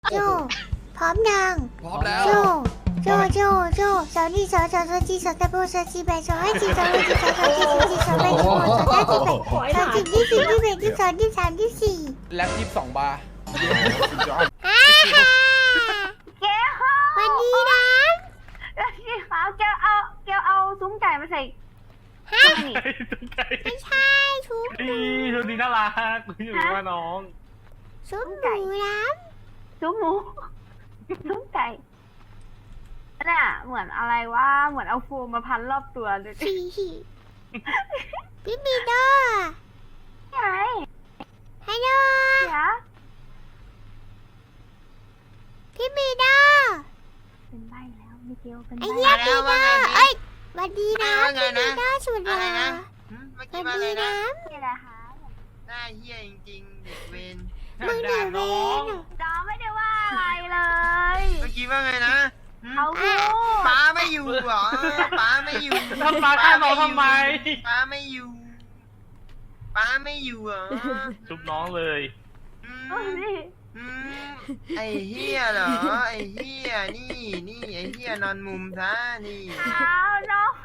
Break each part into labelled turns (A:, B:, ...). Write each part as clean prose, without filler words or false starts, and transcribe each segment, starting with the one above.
A: โจพร้อมยัง
B: พร้อมแล้ว
A: โจสาวนี่สาวจีสาวตะโบสาวจีแบสาวให้จีสาวให้จีสาวจีสาวแบสาวสาวจีแบสาวจีที่สี่ที่แบที่สองที่สามที่สี่
B: แล็บ22 บาร์
A: วันนี้นะ
C: พี่ขาวแกเอาซุ้มไก่มาใส่
A: ฮะไม่ใช่ชุบ
D: ชุดนี้น่ารักอยู่ว่าน้อง
A: ชุบหมูน้
C: ำซุ้มหมูซุ้มไก่น่ะเหมือนอะไรว่าเหมือนเอาโฟมมาพันรอบตัวเลย
A: พี่มีโด
C: ไง
A: ฮัลโหลพี่มีโด
C: เป็นใบแล้วมิเกลเป็นใบ
A: ไอ้เหี้ยมีโดเอ้ยวันดีนะพี่มีโดสุดหล่อวันดีนะ
C: นี่แหละค่ะ
E: หน้าเฮียจริงๆเด็กเวน
A: มึงเดือดเวน
C: น้องไม่ได้ว่าอะไรเลย
E: เมื่อกี้ว่าไงนะ
C: เขาพูด
E: ป้าไม่อยู่เหรอป้าไม่อยู่
D: ทำป้าฆ่าน้องทำไม
E: ป้าไม่อยู่ป้าไม่อยู่เหรอ
D: ชุบน้องเลย
E: ไอ้เฮียเหรอไอ้เฮียนี่ไอ้เฮียนอนมุมซะนี่
C: เอาน้อง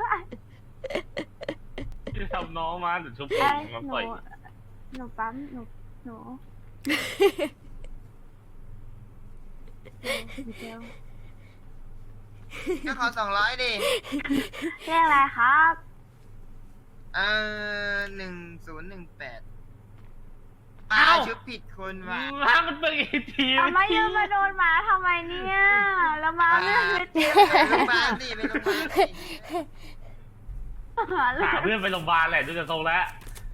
D: จะทำน้องมาหรือชุบผมมาปล่อย
C: หนูปั๊มหนู
E: ก็ขอ200ดิ
C: เรียกอะไรครับ
E: 1018ชุบผิดคนว่ะ
D: มันเป็นอีกที
C: ทำไมยังมาโดนหมาทำไมเนี่ยแล้วมาเรื่องไม่จริง
E: โรงพยาบาลสิไปโรงพยาบาลสิ
D: หาเพื่อนไปโรงพยาบาลแหละดูจะทรงแล้ว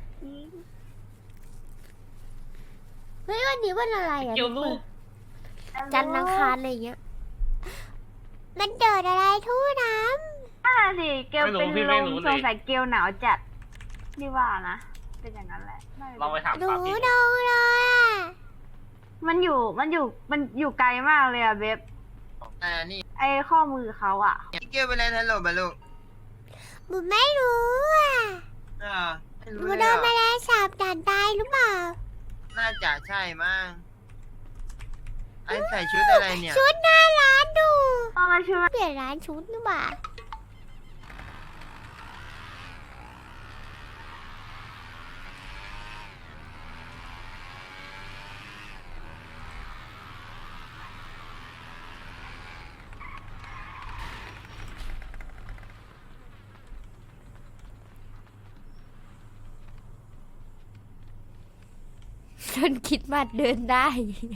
A: เฮ้ยวันนี้วันอะไรอ่ะ
D: เกี่ยวลูก
A: จันทร์อังคารอะไรเงี้ยมันเกิดอะไรทู่น้
C: ำสิเกลเป็นลมสงสัยเกลหนาวจัดนี่ว่านะเป็นอย่างนั้นแหละ
D: ลองไปถาม
A: ดูดูเลยอ่ะ
C: มันอยู่ไกลมากเลยอะเบบ
E: นี่
C: ไอข้อมือเขาอะ
E: เกี่ยวไปเลยทันหลบลูก
A: บุไม่รู้อ่ะบุโดนแมลงสาบด่านตายหรือเปล่า
E: น่าจะใช่มั้งไอใส่ชุดอะไรเนี่ย
A: ชุดหน้าร้านดู
C: มาชุด
A: เปลี่ยนร้านชุดหรือเปล่าจนคิดมาเดินได้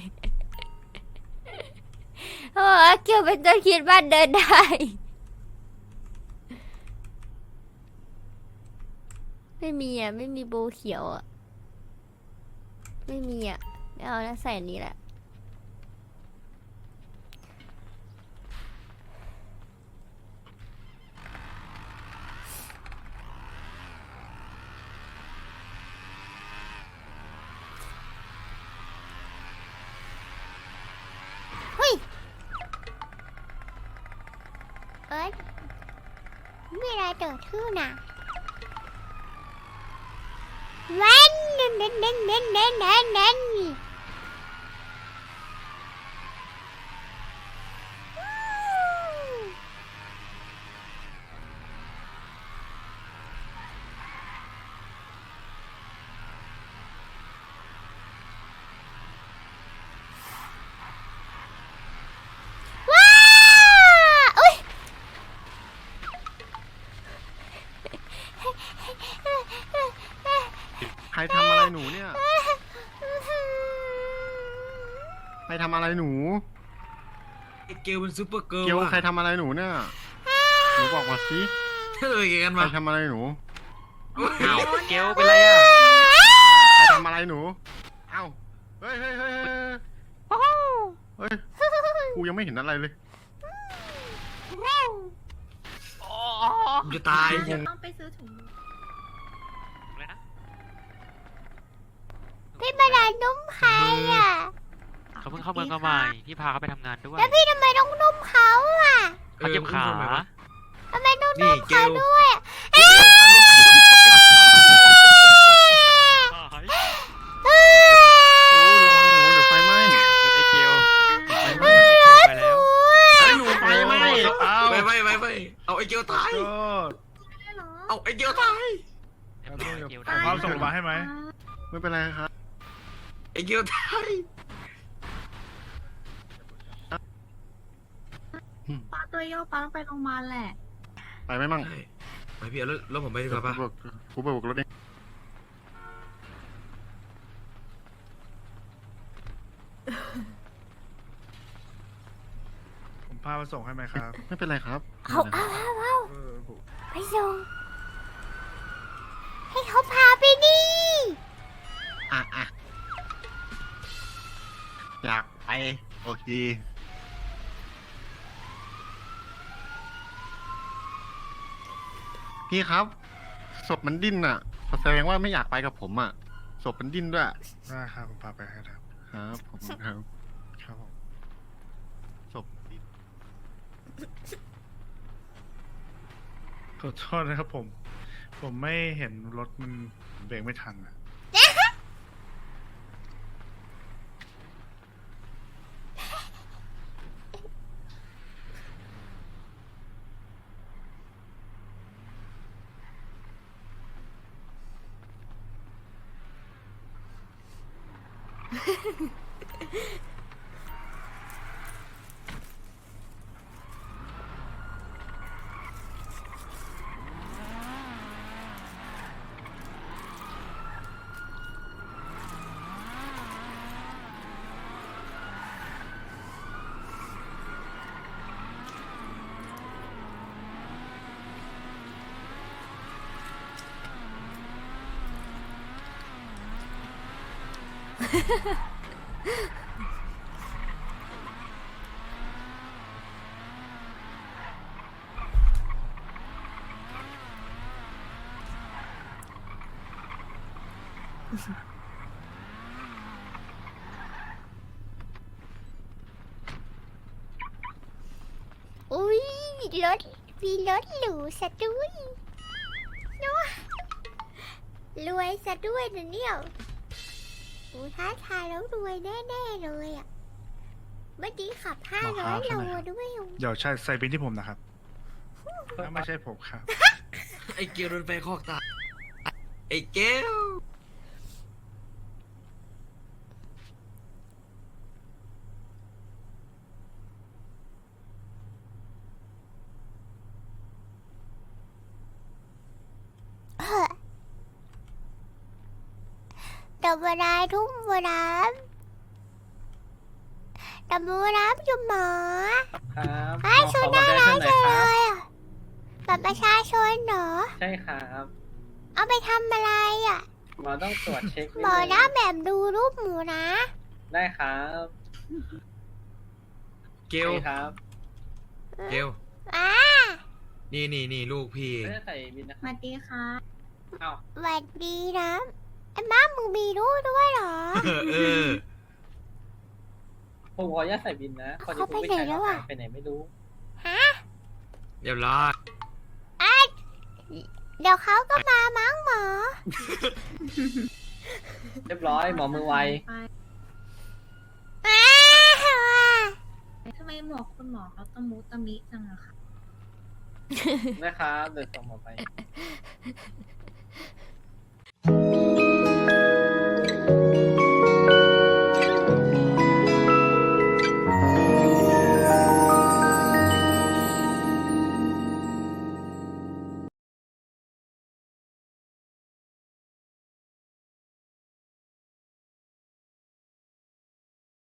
A: โอ้เกี่ยวเป็นจนคิดมาเดินได้ไม่มีอ่ะไม่มีโบเขียวอ่ะไม่มีอ่ะไม่เอาแล้วใส่อันนี้แหละเอ้ยมีอะไรเกิดขึ้นอ่ะเว้นเน้น
F: ใครทำอะไรหนูเนี่ยใครทำอะไรหนู
B: เกลเป็นซูเปอร์เกิร์ล
F: เกลใครทำอะไรหนูเนี่ยหนูบอกมาสิ
B: เฮ้ยกัน
F: ใคร
B: มา
F: ทำอะไรหนู
D: เกลเป็นไรอ่ะ
F: ใครทำอะไรหนูเอ้าเฮ้ยกูยังไม่เห็นอะไรเลย
B: จะตาย
C: ต้องไปซื้อถุง
A: พี่ประดานุ่มใครอ่ะ
G: เขาเพิ่งเข้าเมืองมาใหม่พี่พาเขาไปทำงานด้วย
A: แล้วพี่ทำไมต้องนุ่มเขาอ่ะ
G: เขาเจ็บขา
A: ทำไมต้องนุ่มเขาด้วย
F: เดี๋ยวไฟไหม้
G: ไอเกล
B: ยวตาย
F: โทษ
B: เอาไอ้เกียวตาย
G: เรียบร้อยเกล
F: ขอความส่งโรงพยาบาลให้ไหม ไม่เป็นไรครับ
B: ไอ้เกียวตาย
C: ป้าตัวโยกป้าต้องไปโรงพยาบาลแหละ
F: ไปไหมมั่ง
B: ไปพี่เอารถผมไปดีกว่าป่ะ
F: กูไปบุกรถเอง
H: ผมพามาส่งให้ไหมครับ
F: ไม่เป็นไรครับ
A: เอา
H: เออผม
A: ไปส่งให้เขาพาไปดิ
F: อ่ะอยากไป โอเค พี่ครับ ศพมันดิ้นอ่ะ แสดงว่าไม่อยากไปกับผมอ่ะ ศพมันดิ้นด้วย
H: ได้ครับผมพาไปให้ครับ
F: ครับผมครับ
H: ครับผม
F: ศพดิ้น
H: ขอโทษนะครับผม ผมไม่เห็นรถมันเบรกไม่ทันอ่ะ
A: อุ้ยรถมีรถหรูซะด้วยเนาะรวยซะด้วยนะเนี่ยโอ้ท้าทายแล้วรวยแน่ๆเลยอ่ะเมื่อกี้ขับ500 โลด้วย
H: เดี๋ยวใส่บินที่ผมนะครับไม่ใช่ผมครับ
B: ไอ้เกียวโดนไฟคอกตายไอ้เกียว
A: đầm vào đây thúng vào đám đầm vào đám cho mở
I: ครับ
A: ไอ้ชนน่ารักจังเลยอ่ะบัตรประชาชนเหรอ
I: ใช่ครับ
A: เอาไปทำอะไรอ่ะ
I: หมอต้องตรวจเช็คนิด
A: หมอ
I: นึง
A: นะแบบดูรูปหมูนะ
I: ได้ครับ
B: เกียว
I: ใช่ครับ
B: เกียว
A: อ่า
B: นี่ลูกพี่
I: ไม่ได้ใส่บินนะ
C: สวัสดีค่ะ
I: อ้าว
A: สวัสดีนะไอ้ม้ามึงมีรูปด้วยเหรอ
B: เออ
I: ผมขออนุญาตใส่บินนะพอดี
A: เขา
I: คุณ
A: ไป
I: ไม่
A: ไหน
I: ใช่
A: แล้วอะ
I: ไปไหนไม่รู้
A: ฮะ
B: เรียบร้อย
A: เดี๋ยวเขาก็มามั้งหมอ
I: เรียบร้อยหมอมือไว
A: อ้าว
C: ทำไมหมอคุณหมอเขาตะมุตะมิจังอะคะ
I: นะครับเดินส่งหมอไป
A: อ